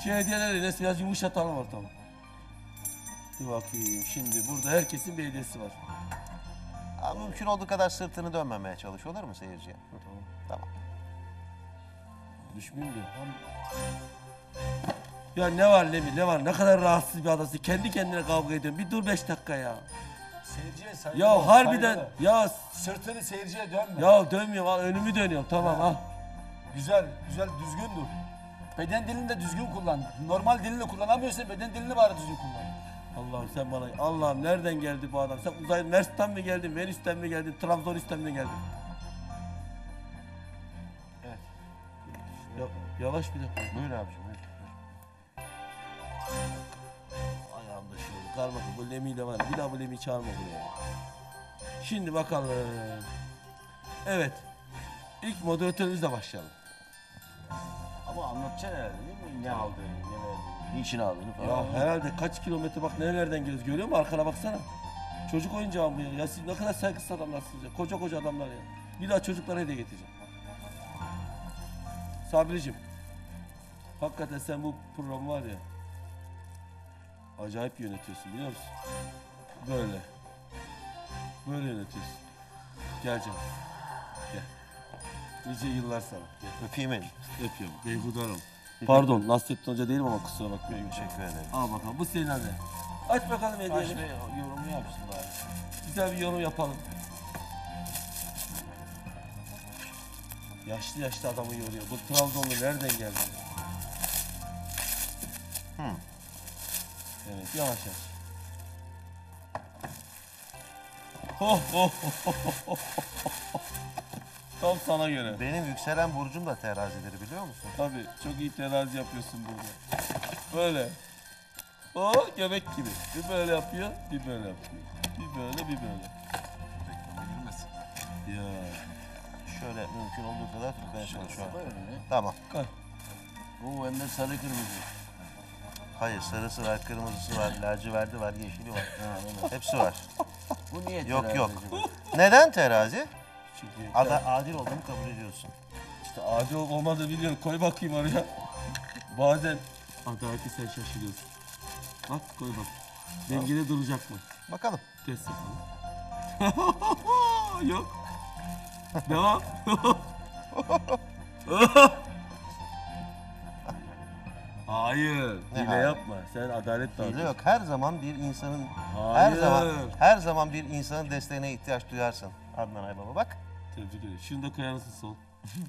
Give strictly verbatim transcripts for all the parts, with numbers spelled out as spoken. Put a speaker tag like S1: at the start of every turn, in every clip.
S1: Şu hediyeleri Enes biraz yumuşatalım ortamı. Dur bakayım, şimdi burada herkesin bir hediyesi var.
S2: Abi mümkün olduğu kadar sırtını dönmemeye çalış, olur mu seyirciye?
S1: Tamam.
S2: Tamam.
S1: Düşmeyeyim diyor. Ya ne var Lemi, ne var? Ne kadar rahatsız bir adamsın. Kendi kendine kavga ediyorsun. Bir dur beş dakika ya.
S3: Seyirciye saygı
S1: Ya
S3: ver,
S1: harbiden,
S3: saygı ver.
S1: ya
S3: Sırtını seyirciye dönme.
S1: ya dönmüyorum, al önümü dönüyorum. Tamam ha.
S3: Güzel, güzel, düzgün dur. Beden dilini de düzgün kullan. Normal dilini kullanamıyorsan beden dilini bari düzgün kullan.
S1: Allah'ım sen bana, Allah'ım nereden geldi bu adam? Sen uzay Mers'ten mi geldin, Venüs'ten mi geldin, Trabzon'dan mi geldin?
S2: Evet.
S1: Ya, yavaş bir dakika.
S2: Buyur abiciğim, buyur.
S1: Ayağımda şöyle kar bakın, bu Lemi'yle var ya, bir daha bu Lemi'yi çağırma buraya. Şimdi bakalım. Evet. İlk moderatörümüzle başlayalım.
S4: Ama anlatacaksın herhalde değil mi? Ne aldığını, ne verdiğini, niçin aldığını falan.
S1: Ya herhalde kaç kilometre bak nerelerden geliyoruz, görüyor musun? Arkana baksana. Çocuk oyuncağı mı ya? Ya siz ne kadar saygısız adamlarsınız ya. Koca koca adamlar ya. Bir daha çocuklara hediye getireceğim. Sabriciğim. Hakikaten sen bu programı var ya. Acayip yönetiyorsun, biliyor musun? Böyle. Böyle yönetiyorsun. Gel canım. Gel. Nice yıllar sana. Gel.
S2: Öpeyim elini.
S1: Öpüyorum. Beyhude Hanım. Pardon, Nasrettin Hoca değilim ama kusura bakmayın.
S2: Teşekkür ederim.
S1: Al bakalım, bu senin anne. Aç bakalım
S4: Aç
S1: hediyeni.
S4: ve yorumu yapsın bari.
S1: Güzel bir yorum yapalım. Yaşlı yaşlı adamı yoruyor. Bu Trabzonlu nereden geldi?
S2: Hmm.
S1: Evet, yavaş yavaş. Ho ho ho ho ho. Tam sana göre.
S2: Benim yükselen burcum da terazidir, biliyor musun?
S1: Tabii, çok iyi terazi yapıyorsun burada. Böyle. O göbek gibi. Bir böyle yapıyor, bir böyle yapıyor. Bir böyle, bir böyle. Ya.
S2: Şöyle mümkün olduğu kadar tutmaya çalışıyorum.
S4: Koy önüne.
S2: Tamam.
S1: Koy.
S4: Oo hem de sarı kırmızı.
S2: Hayır, sarısı var, kırmızısı var, laciverti var, yeşili var.
S4: Ha, evet.
S2: Hepsi var.
S4: Bu niye
S2: Yok,
S4: terazi
S2: yok.
S4: acaba?
S2: Neden terazi?
S1: Çünkü
S2: Ada, adil olduğumu kabul ediyorsun.
S1: işte adil olup olmadığını biliyorum. Koy bakayım oraya. Bazen adaleti sen şaşırıyorsun. Bak koy bak. Dengede duracak mı?
S2: Bakalım.
S1: Test yapalım. Yok. Devam. Hayır.
S2: Ne
S1: Hile
S2: hayır?
S1: yapma. Sen adalet
S2: Hile
S1: dağıtıyorsun.
S2: yok. Her zaman bir insanın her
S1: Hayır.
S2: zaman her zaman bir insanın desteğine ihtiyaç duyarsın. Adnan Aybaba bak.
S1: Tebrik ederim. Şunu da koyar mısın sol?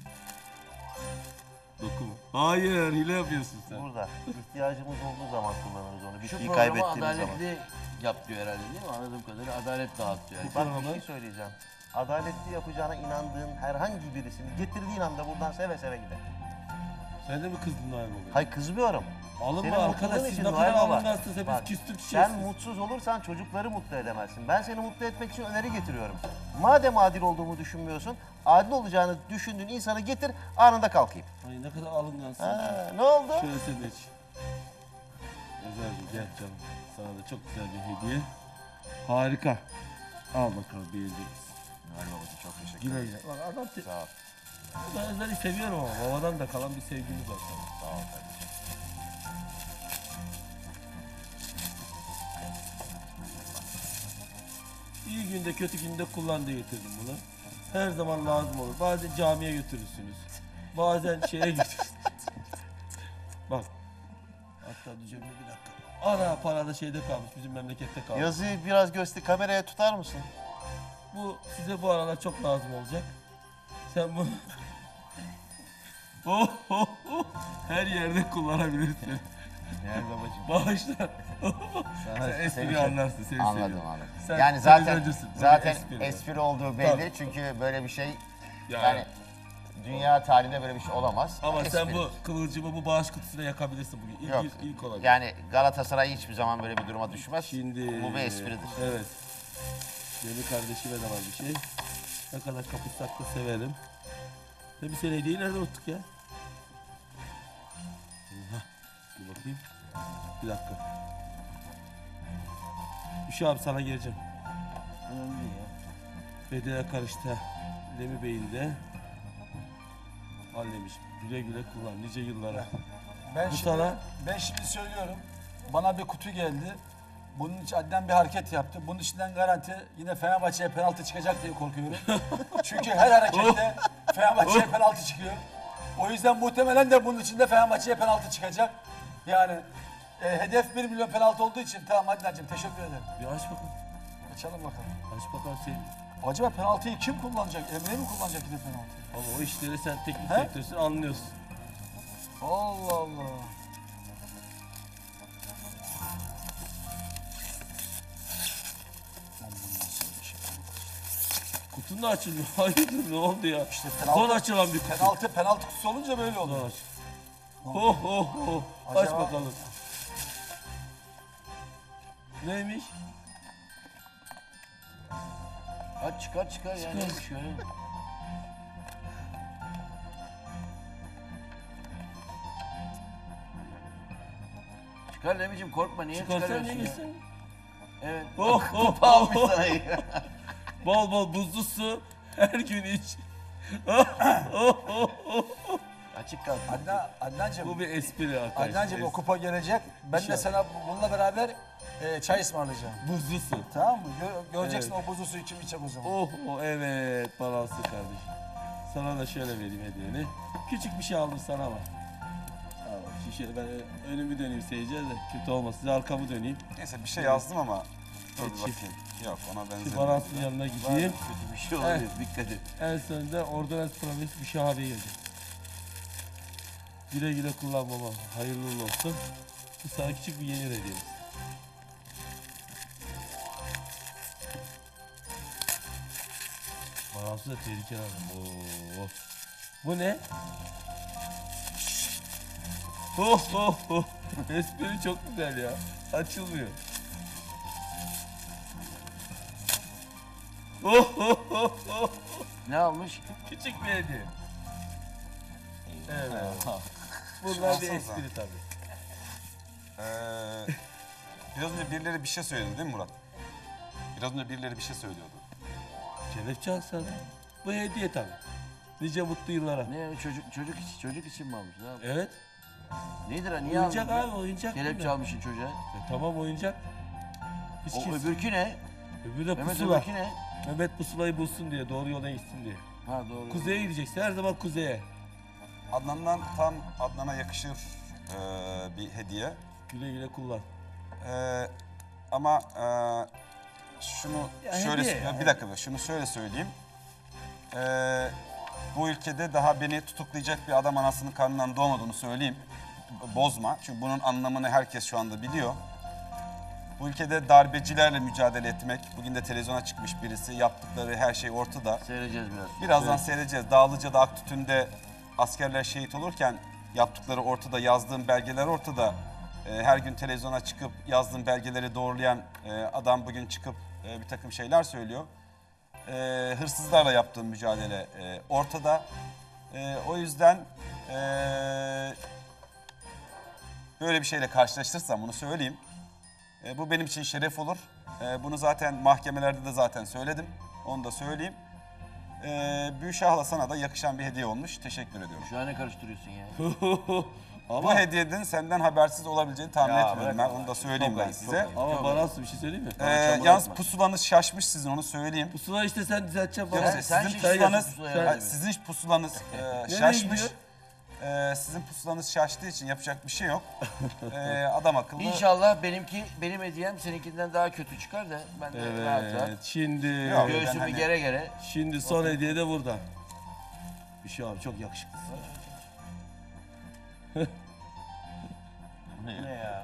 S1: Dokun. Hayır. Hile yapıyorsun sen.
S2: Burada. İhtiyacımız olduğu zaman kullanırız onu. Bir
S4: Şu
S2: şeyi
S4: programı
S2: kaybettiğimiz zaman.
S4: adaletli yap diyor herhalde değil mi? Anladığım kadarıyla adalet dağıt diyor. Yani.
S2: Bak bir şey söyleyeceğim. Adaletli yapacağına inandığın herhangi birisini getirdiğin anda buradan seve seve gider.
S1: Sen de mi kızdın Noel Baba?
S2: Hayır, kızmıyorum.
S1: Alınma
S2: Senin
S1: arkadaş.
S2: mutluluğun
S1: Siz
S2: için
S1: ne
S2: Noel
S1: kadar
S2: Baba.
S1: alınmazsınız. Hepiniz
S2: Bak,
S1: küstüm
S2: sen
S1: çiçeksiniz.
S2: mutsuz olursan çocukları mutlu edemezsin. Ben seni mutlu etmek için öneri getiriyorum. Madem adil olduğumu düşünmüyorsun, adil olacağını düşündüğün insanı getir, anında kalkayım.
S1: Ay ne kadar alıngansın.
S2: Ha, ne oldu?
S1: Şöyle senin için. Özelce gel canım. Sana da çok güzel bir hediye. Harika. Al bakalım beğeneceğiz.
S4: Noel babacığım çok teşekkür
S1: Güle
S4: ederim.
S1: güle. Bak adam te-
S4: Sağ ol.
S1: ben Özlem'i seviyorum ama babadan da kalan bir sevgimiz var sana.
S4: Sağ ol kardeşim.
S1: İyi günde kötü günde kullan diye getirdim bunu. Her zaman lazım olur. Bazen camiye götürürsünüz. Bazen şeye götürürsünüz. Bak. Hatta diyeceğim bir dakika. Ana para da şeyde kalmış, bizim memlekette kalmış.
S2: Yazıyı biraz göster, kameraya tutar mısın?
S1: Bu size bu aralar çok lazım olacak. Sen bunu oh, oh, oh. her yerde kullanabilirsin.
S4: Noel babacığım.
S1: Bağışlar.
S4: Sana
S1: Sen espriyi
S4: seveceğim.
S1: anlarsın, seni
S4: Anladım
S1: seviyorum.
S4: anladım.
S1: Sen
S4: yani zaten
S1: televizyoncusun, böyle
S4: zaten
S1: espri.
S4: espri, olduğu belli
S1: Tabii.
S4: çünkü böyle bir şey
S1: Ya,
S4: yani dünya tarihinde böyle bir şey olamaz.
S1: ama sen
S4: Espri.
S1: bu kıvılcımı bu bağış kutusuna yakabilirsin bugün. İlk,
S4: Yok.
S1: ilk, ilk olacak.
S4: Yani Galatasaray hiçbir zaman böyle bir duruma düşmez.
S1: Şimdi
S4: Bu bir espridir.
S1: Evet. Benim kardeşime de var bir şey. Ne kadar kapatsak da severim. Tabii sen hediyeyi nerede unuttuk ya? Hah, dur bakayım. Bir dakika. Üşü abi sana geleceğim.
S4: Önemli değil ya.
S1: Bedene karıştı. Lemi Bey'in de. Al demiş. Güle güle kullan nice yıllara.
S3: Ben
S1: Bu
S3: şimdi,
S1: sana
S3: ben şimdi söylüyorum. Bana bir kutu geldi. Bunun için Adnan bir hareket yaptı. Bunun içinden garanti yine Fenerbahçe'ye penaltı çıkacak diye korkuyorum. Çünkü her harekette Fenerbahçe'ye penaltı çıkıyor. O yüzden muhtemelen de bunun içinde Fenerbahçe'ye penaltı çıkacak. Yani e, hedef bir milyon penaltı olduğu için tamam Adnan'cığım teşekkür ederim.
S1: bir aç bakalım.
S3: Açalım bakalım.
S1: Aç bakalım senin.
S3: Acaba penaltıyı kim kullanacak? Emre mi kullanacak yine penaltıyı?
S1: Ama o işleri sen teknik
S3: He?
S1: direktörsün, anlıyorsun.
S3: Allah Allah.
S1: Kutun da açılmıyor. Hayırdır ne oldu ya?
S3: İşte
S1: Son açılan bir kutu.
S3: Penaltı, penaltı kutusu olunca böyle
S1: Son
S3: oluyor.
S1: aç. Oh oh oh. Aç
S3: Acaba-
S1: bakalım. Neymiş?
S4: Aç çıkar çıkar ya neymiş öyle. Çıkar Remicim korkma niye
S1: Çıkarsan
S4: çıkarıyorsun
S1: ne
S4: ya?
S1: gitsin?
S4: Evet.
S1: Oh oh
S4: Kupa
S1: oh.
S4: almış
S1: oh.
S4: sana ya.
S1: Bol bol buzlu su. Her gün iç. Oh oh oh oh.
S4: Açık kalsın.
S3: Adnan, Adnancığım,
S1: Bu bir espri arkadaşlar.
S3: Adnancığım o kupa gelecek. Ben de sana bununla beraber e, çay ısmarlayacağım.
S1: Buzlu su.
S3: Tamam mı? Gö- göreceksin
S1: Evet.
S3: o buzlu suyu kim içecek o zaman.
S1: Oh oh evet balanslı kardeşim. Sana da şöyle vereyim hediyeni. Küçük bir şey aldım sana bak. Al bak şişe ben önümü döneyim seyirciye de kötü olmasın. Size arkamı döneyim.
S5: Neyse bir şey yazdım ama dur bir
S1: Geçi.
S5: bakayım. Yok ona
S1: Şu
S5: benzer.
S1: balansın yanına gideyim.
S4: Kötü bir şey olabilir dikkat et.
S1: En sonunda Ordonez Provis bir şey abi geldi. Güle güle kullan baba. Hayırlı uğurlu olsun. Bu sana küçük bir yeni hediyemiz. Balansı da tehlikeli adam. Oo. Bu ne? Oh oh oh. Espri çok güzel ya. Açılmıyor. Oh oh oh oh.
S4: Ne almış?
S1: Küçük bir hediye. Evet. Bunlar bir
S5: Şanssız ha.
S1: espri tabii.
S5: Ee, biraz önce birileri bir şey söyledi değil mi Murat? Biraz önce birileri bir şey söylüyordu.
S1: Kelepçe alsana. Bu hediye tabii. Nice mutlu yıllara.
S4: Ne çocuk çocuk için çocuk için mi almış? Ne yapmış?
S1: Evet.
S4: Nedir ha niye
S1: Oyuncak
S4: aldın?
S1: abi oyuncak.
S4: Kelepçe
S1: bunlar.
S4: almışsın çocuğa.
S1: E, tamam oyuncak. Hiç
S4: O
S1: kimse.
S4: öbürkü ne?
S1: Öbürü de
S4: Mehmet
S1: pusula.
S4: öbürkü ne?
S1: Mehmet pusulayı bulsun diye, doğru yola gitsin diye.
S4: Ha doğru.
S1: Kuzeye gideceksin, her zaman kuzeye.
S5: Adnan'dan tam Adnan'a yakışır ee, bir hediye.
S1: Güle güle kullan.
S5: Ee, ama ee, şunu
S1: Ya
S5: şöyle
S1: hediye ya.
S5: bir dakika şunu şöyle söyleyeyim. Ee, bu ülkede daha beni tutuklayacak bir adam anasının karnından doğmadığını söyleyeyim. B- Bozma. Çünkü bunun anlamını herkes şu anda biliyor. Bu ülkede darbecilerle mücadele etmek, bugün de televizyona çıkmış birisi, yaptıkları her şey ortada.
S4: Seyredeceğiz biraz.
S5: Birazdan seyredeceğiz. Dağlıca'da, Aktütün'de askerler şehit olurken yaptıkları ortada, yazdığım belgeler ortada. Ee, her gün televizyona çıkıp yazdığım belgeleri doğrulayan e, adam bugün çıkıp e, bir takım şeyler söylüyor. Ee, hırsızlarla yaptığım mücadele e, ortada. E, o yüzden e, böyle bir şeyle karşılaştırsam bunu söyleyeyim. E, bu benim için şeref olur. E, bunu zaten mahkemelerde de zaten söyledim. Onu da söyleyeyim. E, Büşah'la sana da yakışan bir hediye olmuş. Teşekkür ediyorum.
S4: Şu an ne karıştırıyorsun ya?
S5: Bu
S1: ama
S5: hediyenin senden habersiz olabileceğini tahmin
S4: Ya
S5: etmiyorum
S4: bırak
S5: ben.
S4: Allah
S5: Onu da
S4: aşkına.
S5: söyleyeyim
S4: Çok
S5: ben
S4: ayıp,
S5: size.
S4: çok ayıp.
S1: ama
S4: Çok
S1: bana bir şey söyleyeyim mi?
S5: E,
S4: Bana çamur
S5: yalnız
S4: atma.
S5: pusulanız şaşmış sizin onu söyleyeyim.
S1: Pusula işte sen düzelteceksin
S5: Yok,
S1: bana.
S4: sen-
S5: sizin
S4: şiştin
S5: pusulanız,
S4: pusulaya
S5: Ha,
S4: yani.
S5: sizin pusulanız e,
S1: Nereye
S5: şaşmış.
S1: gidiyor?
S5: E, sizin pusulanız şaştığı için yapacak bir şey yok. E, adam akıllı.
S4: İnşallah benimki benim hediyem seninkinden daha kötü çıkar da ben de rahat rahat.
S1: Evet, şimdi
S5: Yok.
S4: Göğsümü
S5: Ben hani-
S4: gere gere.
S1: şimdi son hediye de burada. Bir şey abi çok yakışıklısın.
S2: Ne ya?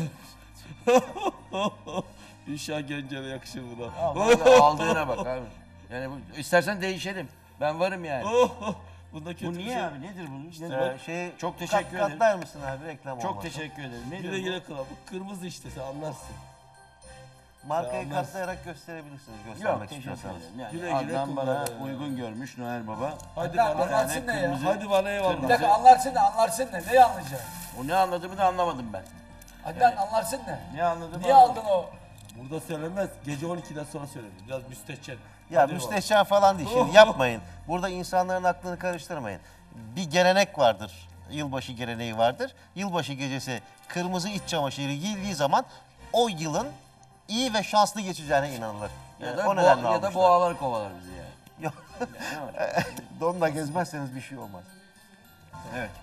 S1: Üşa Gencer'e yakışır bu da.
S4: Al, vallahi aldığına bak abi. Yani bu, istersen değişelim. Ben varım yani.
S1: Oh, oh. Bunda kötü
S4: Bu
S1: bir
S4: niye
S1: şey.
S4: abi? Nedir bu? Nedir?
S2: Ee, şey,
S4: Çok
S2: kat-
S4: teşekkür ederim.
S2: Katlar mısın abi reklam
S4: Çok
S2: olmasa?
S4: teşekkür ederim. Nedir
S1: Güle
S4: bu?
S1: güle kula. Bu kırmızı işte sen anlarsın.
S2: Markayı
S1: Anlarsın.
S2: katlayarak gösterebilirsiniz
S4: Yok
S2: göstermek
S4: teşekkür
S2: istiyorsanız.
S4: ederim. Yani
S1: Güle güle
S4: Adnan bana
S1: kullan.
S4: uygun görmüş Noel Baba.
S1: Hadi
S3: Adnan,
S1: bana.
S3: anlatsın ne ya?
S4: kırmızı-
S1: Hadi bana
S3: Bir
S1: eyvallah.
S3: dakika anlarsın ne, anlarsın ne? Neyi anlayacaksın?
S4: O ne anladığımı da anlamadım ben.
S3: Adnan anlarsın ne?
S4: Ne anladım?
S3: Niye aldın o?
S1: Burada söylenmez. Gece on ikiden sonra söylenir. Biraz müstehcen.
S2: Ya
S1: Hadi
S2: müstehcen falan değil şimdi yapmayın. Burada insanların aklını karıştırmayın. Bir gelenek vardır. yılbaşı geleneği vardır. Yılbaşı gecesi kırmızı iç çamaşırı giyildiği zaman o yılın iyi ve şanslı geçeceğine inanılır.
S4: Ya
S2: Yani
S4: da,
S2: o
S4: boğa,
S2: nedenle
S4: ya da
S2: almışlar.
S4: boğalar kovalar bizi yani.
S2: Yok. Donla gezmezseniz bir şey olmaz.
S4: Evet.